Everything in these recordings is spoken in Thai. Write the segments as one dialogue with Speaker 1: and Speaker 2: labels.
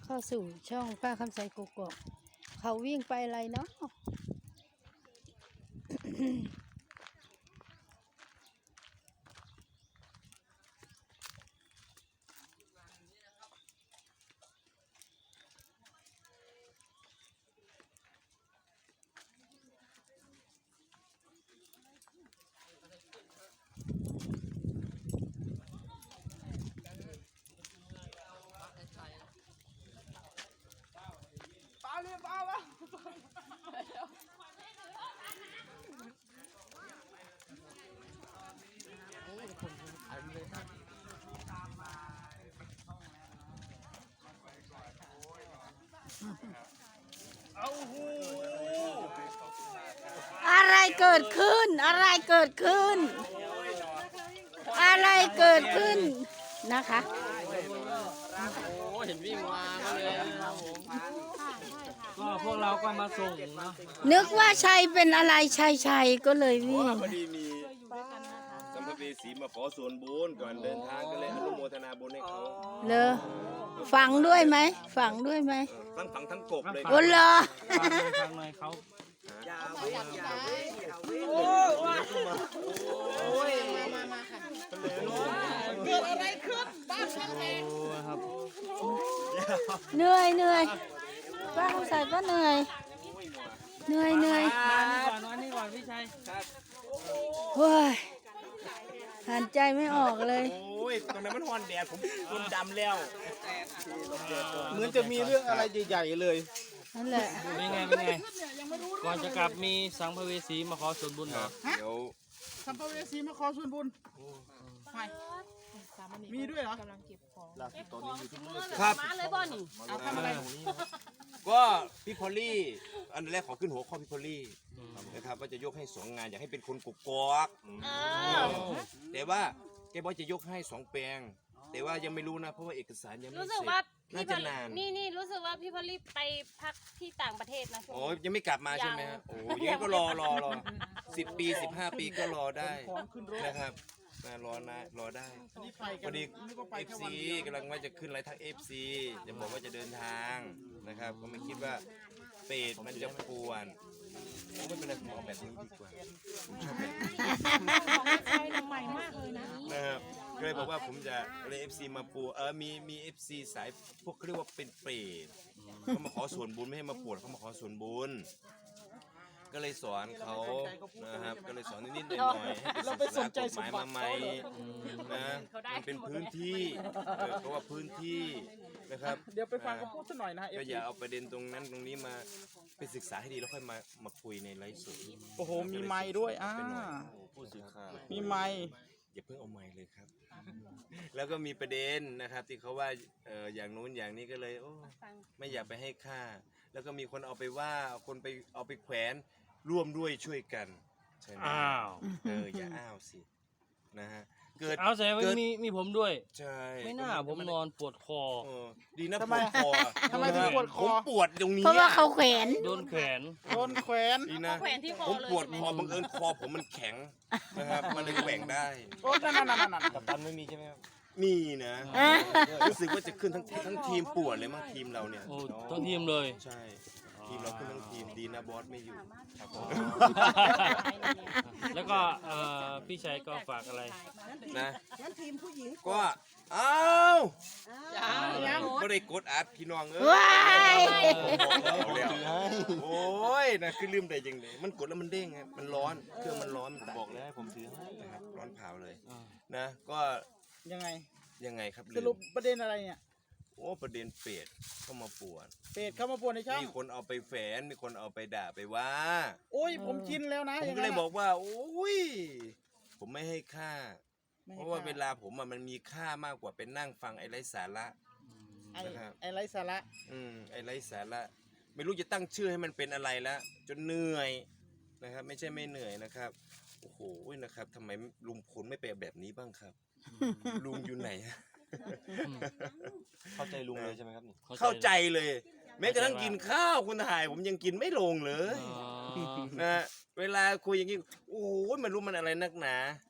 Speaker 1: เข้าสู่ช่องป้าคำใสกุกกอกเขาวิ่งไปอะไรเนาะอะไรเกิดขึ้นอะไรเกิดขึ้นอะไรเกิดขึ้นนะคะ
Speaker 2: เห็นวิ่งมาก็เลยก็พวกเราก็มาส่งเนาะ
Speaker 1: นึกว่าชัยเป็นอะไรชัยก็เลยวิ่ง
Speaker 3: พอดีมีสัมภเวสีมาขอส่วนบุญก่อนเดินทางก็เลยอนุโมทนาบุญให้เขา
Speaker 1: เลยฝังด้วยไหมฝังด้วยไหม
Speaker 3: ทั้งฝังทั้งกบเลย
Speaker 1: โอ้เหรอ
Speaker 2: ฟังหน่อยเขา
Speaker 4: เกิดอะไรขึ้นบ้านช่างแดง
Speaker 1: เหนื่อยป้าเขาใส่ก็เหนื่อย
Speaker 2: นี่ก่อนนี่ก่อนพี่ชัย
Speaker 1: โอ้ยหันใจไม่ออกเลย
Speaker 3: โอ้ยตอนนั้นมันฮอนแดดผมโดนดำแล้ว
Speaker 4: เหมือนจะมีเรื่องอะไรใหญ่ๆเลย
Speaker 1: นั่นแหละ
Speaker 2: เป็นไงก่อนจะกลับมีสัมภเวสีมาขอส่วนบุญเหรอ
Speaker 3: เดี๋ยว
Speaker 4: สัมภเวสีมาขอส่วนบุญมีด้วยเหรอกำลังเก็บของ
Speaker 3: ตอนนี้อยู่ที่ครับ
Speaker 4: มาเลยบ่นี่เอาทำอะไร
Speaker 3: ก็พี่พอลลี่อันแรกขอขึ้นหัวข้อพี่พอลลี่นะครับว่าจะยกให้2 งานอยากให้เป็นคนกุกกอกแต่ว่าแกบอกจะยกให้2 แปลงแต่ว่ายังไม่รู้นะเพราะว่าเอกสารยังไม่เสร็จ
Speaker 5: รู้สึกว่า
Speaker 3: น่าจะนาน
Speaker 5: นี่รู้สึกว่าพี่พอลลี่ไปพักที่ต่างประเทศนะ
Speaker 3: โอ้ยังไม่กลับมาใช่ไหมฮะโอ้ยังไงก็รอ10 ปี 15 ปีก็รอได้นะครับรอได้พอดี FC กำลังว่าจะขึ้นไลน์ทาง FC จะบอกว่าจะเดินทางนะครับก็ไม่คิดว่าเป็ดมันจะป่วนไม่เป็นไรผมเอาแบบนี้ดีกว่าผมชอบแบบนี้นะครับก็เลยบอกว่าผมจะเลย FC มาปูมี FC สายพวกเขาเรียกว่าเป็นเปรตเขามาขอส่วนบุญไม่ให้มาปวดเขามาขอส่วนบุญก็เลยสอนเขานะครับก็เลยสอนนิดๆหน่อยๆให้ไปศึกษากฎหมายมาใหม่นะมันเป็นพื้นที่เพราะว่าพื้นที่นะครับ
Speaker 4: เดี๋ยวไปฟังเขาพูดสักหน่อยนะ
Speaker 3: ก็อย่าเอาประเด็นตรงนั้นตรงนี้มาไปศึกษาให้ดีแล้วค่อยมาคุยในไลฟ์สด
Speaker 4: โอ้โหมีไมค์ด้วย
Speaker 3: ผู้สื่อข่าว
Speaker 4: มีไมค์
Speaker 3: อย่าเพิ่งเอาไมค์เลยครับแล้วก็มีประเด็นนะครับที่เขาว่าอย่างนู้นอย่างนี้ก็เลยโอ้ไม่อยากไปให้ค่าแล้วก็มีคนเอาไปว่าคนไปเอาไปแขวนร่วมด้วยช่วยกันใช่ไหมอย่าอ้าวสินะฮะ
Speaker 2: เกิดเอาใส่ไว้มีผมด้วย
Speaker 3: ใช่
Speaker 2: ไม่น่าผมนอนปวดคอ
Speaker 3: ดีนะปวดคอ
Speaker 4: ทำไมถึงปวดคอ
Speaker 3: ผมปวดตรงนี้
Speaker 1: เพราะว่าเขาแขวน
Speaker 2: โดนแขวน
Speaker 3: ดีนะผมปวดคอบังเอิญคอผมมันแข็งนะครับมันเลยแหว่งได้
Speaker 4: โอ้นั่น
Speaker 3: กัปตันไม่มีใช่ไหมครับมีนะรู้สึกว่าจะขึ้นทั้งทีมปวดเลยมั้งทีมเราเนี่ย
Speaker 2: ทั้งทีมเลย
Speaker 3: ใช่ทีมเราขึ้นทั้งทีมดีนะบอสไม่อยู่ครับ
Speaker 2: แล้วก็พี่ชัยก็ฝากอะไร
Speaker 3: นะทีมผู้หญิงก็อ้าวไม่ได้กดอัดพี่น้องโอ้ยนะคือลืมได้ยังไงมันกดแล้วมันเด้งไงมันร้อนเครื่องมันร้อนบอกแล้วให้ผมถือให้นะครับร้อนเผาเลยนะก็
Speaker 4: ยังไง
Speaker 3: ครับ
Speaker 4: สรุปประเด็นอะไรเนี่ย
Speaker 3: โอ้ประเด็นเป็ดเข้ามาป่วน
Speaker 4: เป็ดเข้ามาป่วนในช่าง
Speaker 3: มีคนเอาไปแฝนมีคนเอาไปด่าไปว่า
Speaker 4: โอ้ยผมชินแล้วนะ
Speaker 3: ผมก็เลยบอกว่าโอ้ยผมไม่ให้ค่าเพราะว่าเวลาผมมันมีค่ามากกว่าเป็นนั่งฟังไอ้ไร้สาระ
Speaker 4: นะครับไอ้ไร้สาระ
Speaker 3: ไอ้ไร้สาระไม่รู้จะตั้งชื่อให้มันเป็นอะไรแล้วจนเหนื่อยนะครับไม่ใช่ไม่เหนื่อยนะครับโอ้โหนะครับทำไมลุงพลไม่ไปแบบนี้บ้างครับลุงอยู่ไหน
Speaker 2: เข้าใจลุงเลยใช่ไหมครับ
Speaker 3: เข้าใจเลยแม้กระทั่งกินข้าวคุณถ่ายผมยังกินไม่ลงเลยนะเวลาคุยอย่างนี้โอ้ยมันรู้มันอะไรนักหนา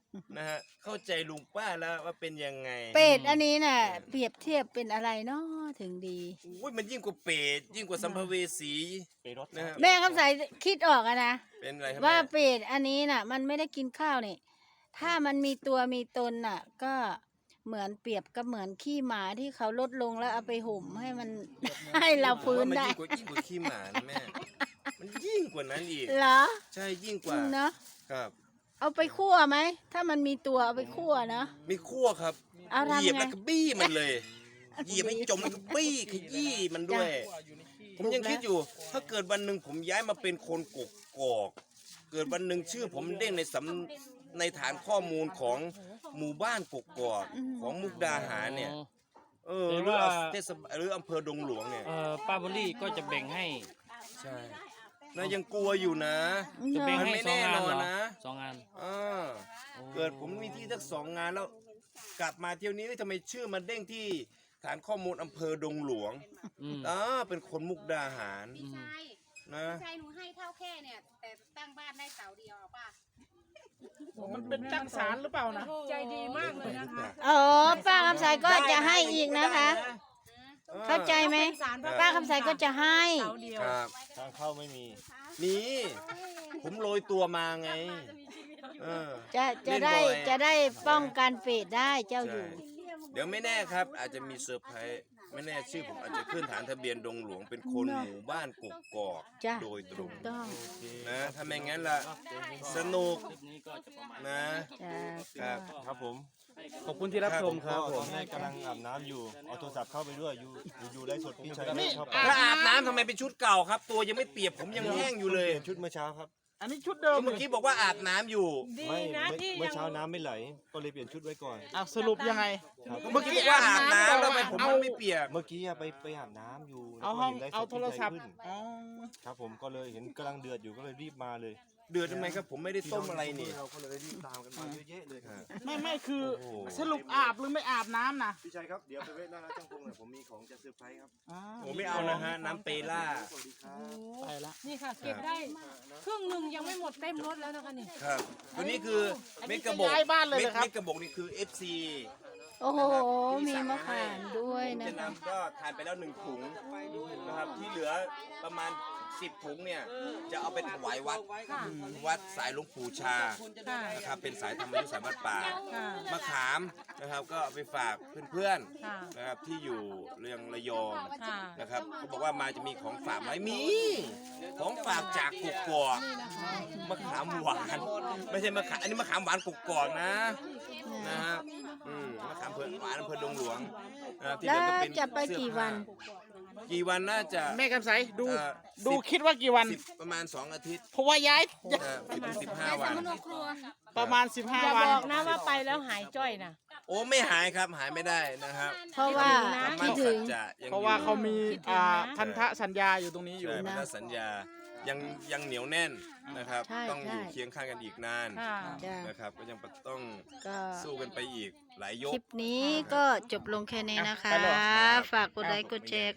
Speaker 3: นะฮะเข้าใจลุงป้าแล้วว่าเป็นยังไง
Speaker 1: เป็ดอันนี้น่ะ เปรียบเทียบเป็นอะไรเนาะถึงดี
Speaker 3: อุ้ยมันยิ่งกว่าเป็ดยิ่งกว่าสัมภเวสีนะฮะ
Speaker 1: แม่คำใสคิดออกอะนะ
Speaker 3: เป็นอะไรครับ
Speaker 1: ว่า
Speaker 3: แม่
Speaker 1: เป็ดอันนี้น่ะ มันไม่ได้กินข้าวนี่ ถ้ามันมีตัวมีตนน่ะ ก็เหมือนเปรียบกับเหมือนขี้หมาที่เขาลดลงแล้วเอาไปห่มให้มัน ให้เราฟื้น
Speaker 3: มัน
Speaker 1: ได้
Speaker 3: ยิ่งกว่าขี้หมานะแม่ มันยิ่งกว่านั้นอีก
Speaker 1: เหรอ
Speaker 3: ใช่ยิ่งกว่า
Speaker 1: เนาะ
Speaker 3: ครับ
Speaker 1: เอาไปคั่วไหมถ้ามันมีตัวเอาไปคั่วเนาะ
Speaker 3: มีคั่วครับ
Speaker 1: เอา
Speaker 3: เห
Speaker 1: ทำ
Speaker 3: ยียบ
Speaker 1: ไง
Speaker 3: แล้วก็บี้มันเลยเหยียบให้จมแล้วก็บี้ขยี้มันด้วย ผมยังคิดอยู่ ถ้าเกิดวันหนึ่งผมย้ายมาเป็นคนกกอก เกิดวันหนึ่งชื่อผมเด้งในฐานข้อมูลของหมู่บ้านกกอกของมุกดาหารเนี่ย หรือเทศบาลหรืออำเภอดงหลวงเนี่ย
Speaker 2: ป้าบอลลี่ก็จะแบ่งให้
Speaker 3: ใช่นะยังกลัวอยู่นะ
Speaker 2: จะแบ่ง
Speaker 3: มัน
Speaker 2: ให้
Speaker 3: ไม่
Speaker 2: สอง
Speaker 3: แน่
Speaker 2: งาน
Speaker 3: นอ
Speaker 2: เหร
Speaker 3: น
Speaker 2: อ
Speaker 3: นะ
Speaker 2: 2 งาน
Speaker 3: เกิดผมมีที่สัก2 งานแล้ว กลับมาเที่ยวนี้ทำไมชื่อมันเด้งที่ฐานข้อมูลอำเภอดงหลวง
Speaker 2: อืม
Speaker 3: เป็นคนมุกดาหาร
Speaker 5: พี่ชาย
Speaker 3: นะ
Speaker 5: พี่ชายหนูให้เท่าแค่เนี่ย แต่ตั้งบ้านได้เสาเดียวป่ะ
Speaker 4: มันเป็นจักสารหรือเปล่านะ
Speaker 5: ใจดีมากเลยนะคะ
Speaker 1: อ๋อป้าคำใสก็จะให้อีกนะคะ เข้าใจไหมป้าคำใสก็จะให้
Speaker 3: ครับ
Speaker 4: ทางเข้าไม่มี
Speaker 3: นี่ผมโรยตัวมาไงเออ
Speaker 1: จะได้
Speaker 3: เล่นบ่อย
Speaker 1: จะได้ป้องกันเป็ดได้เจ้าอยู่
Speaker 3: เดี๋ยวไม่แน่ครับ อาจจะมีเซอร์ไพรส์ไม่แน่ชื่อผมอาจจะขึ้นฐานทะเบียนดงหลวงเป็นคนหมู่บ้านกกอก
Speaker 1: จ้ะ
Speaker 3: โดยตรง
Speaker 1: ต้อง
Speaker 3: นะถ้าไม่งั้นล่ะสนุก
Speaker 2: คลิปนี้ก็จะประมาณ
Speaker 3: นะ
Speaker 1: จ้ะ
Speaker 3: ครับ
Speaker 4: ครับผม ขอบคุณที่รับชมครับ
Speaker 6: ต
Speaker 4: ผ
Speaker 6: อ
Speaker 4: ม
Speaker 6: นแรกกำลังอาบน้ำอยู่ เอาโทรศัพท์เข้าไปด้วย อยู่ไลฟ์สดพี่ชัยไม่เข้าไป
Speaker 3: ถ้าอาบน้ำทำไมเป็นชุดเก่าครับ ตัวยังไม่เปียกผมยังแห้งอยู่เลย
Speaker 6: เปลี่ยนชุดเมื่อเช้าครับ
Speaker 4: อันนี้ชุดเดิม
Speaker 3: เมื่อกี้บอกว่าอาบน้ำอยู่
Speaker 6: ไม่เมื่อเช้าน้ำไม่ไหล ก็เลยเปลี่ยนชุดไว้ก่อน
Speaker 4: อ่ะสรุปยังไง
Speaker 6: ครับ
Speaker 3: เมื่อกี้บอกว่าอาบน้ำแล้วทำไมผมมันไม่เปียก
Speaker 6: เมื่อกี้ไปอาบน้ำอยู่แล้ว
Speaker 4: เอา
Speaker 6: ก็
Speaker 4: ห้อง
Speaker 6: เห็นไลฟ์ส
Speaker 4: เอา
Speaker 6: ด
Speaker 4: โท
Speaker 6: พี่
Speaker 4: ร
Speaker 6: ชั
Speaker 4: ศั
Speaker 6: ย
Speaker 4: พท์
Speaker 6: ขึ้น
Speaker 4: อ๋อ
Speaker 6: ครับผมก็เลยเห็นกำลังเดือดอยู่ก็เลยรีบมาเลย
Speaker 3: เดือดทำไมครับผมไม่ได้ต้มอะไรนี่
Speaker 6: เราก็เลยรีบตามกันมาเยอะแยะเลย
Speaker 4: ไม่คือ
Speaker 3: โอ้โห
Speaker 4: สรุปอาบหรือไม่อาบน้ำนะ
Speaker 6: พี่ชัยครับ เดี๋ยวไปเวทหน้าร้านจ้างพงหน่อยผมมีของจะเซอร์ไพรส์ครับ
Speaker 4: อ่า
Speaker 3: ผมไม่เอานะฮะน้ำเปล่า
Speaker 6: สวัสดีครับ
Speaker 4: ไปละ
Speaker 5: นี่ค่ะ เก็บได้ครึ่งหนึ่งยังไม่หมดเต็มรถแล้วนะคะนี่
Speaker 3: ครับตัวนี้คือเม็ดกระบ
Speaker 4: จะ
Speaker 3: ก
Speaker 4: ย้ายบ้านเลยเหรอครับ
Speaker 3: เม็ดกระบอกนี่คือ FC
Speaker 1: โอ้โห มีมะขามด้วย
Speaker 3: ผม
Speaker 1: นะ
Speaker 3: จะ
Speaker 1: คะ
Speaker 3: นำก็ทานไปแล้ว1 ถุงนะครับที่เหลือประมาณ10 ถุงเนี่ยจะเอาไปถวายวัดสายหลวงปู่ชานะครับเป็นสายธรรมยุทธสายวัดป่ามะขามนะครับก็เอาไปฝากเพื่อนๆนะครับที่อยู่เรืองระยองนะครับเขาบอกว่ามาจะมีของฝากไหมมีของฝากจากกกอกมะขามหวานไม่ใช่มะขามอันนี้มะขามหวานกกอกนะครับมะขามเผือกหวานอำเภอดงหลวงนะครับที่เห
Speaker 1: แล้
Speaker 3: ลื
Speaker 1: ว
Speaker 3: อก็เป็น
Speaker 1: จะไปกี่วัน
Speaker 3: กี่วันน่าจะ
Speaker 4: แม่กำไสดู
Speaker 3: เอ่อ
Speaker 4: ดู
Speaker 3: 10
Speaker 4: คิดว่ากี่วัน
Speaker 3: ประมาณ2 อาทิตย์
Speaker 4: เพราะว่าย้าย
Speaker 3: 10-15 วัน
Speaker 4: ประมาณ
Speaker 5: อย่า
Speaker 4: 15 วัน
Speaker 5: บอกนะว่าไปแล้วหายจ้อยนะ
Speaker 3: โอ้ไม่หายครับหายไม่ได้นะครับ
Speaker 1: เพราะว่า
Speaker 3: ธรร
Speaker 1: คิด
Speaker 3: ม
Speaker 1: ถึ
Speaker 3: สั
Speaker 1: ง
Speaker 3: จจะยัง
Speaker 4: เพราะว่าเขามีพันธสัญญาอยู่ตรงนี้อยู่
Speaker 3: ใช่พันธสัญญายังเหนียวแน่นนะครับ
Speaker 1: ใช่
Speaker 3: ต้องอยู่
Speaker 1: ใช่
Speaker 3: เคียงข้างกันอีกนาน
Speaker 1: จ้ะ
Speaker 3: นะครับก็ยังต้อง
Speaker 1: ก็
Speaker 3: สู้กันไปอีกหลายย
Speaker 1: ค
Speaker 3: ก
Speaker 1: ลิปนี้ก็จบลงแค่นี้นะคะ ฝากกดไลค์กดแชร์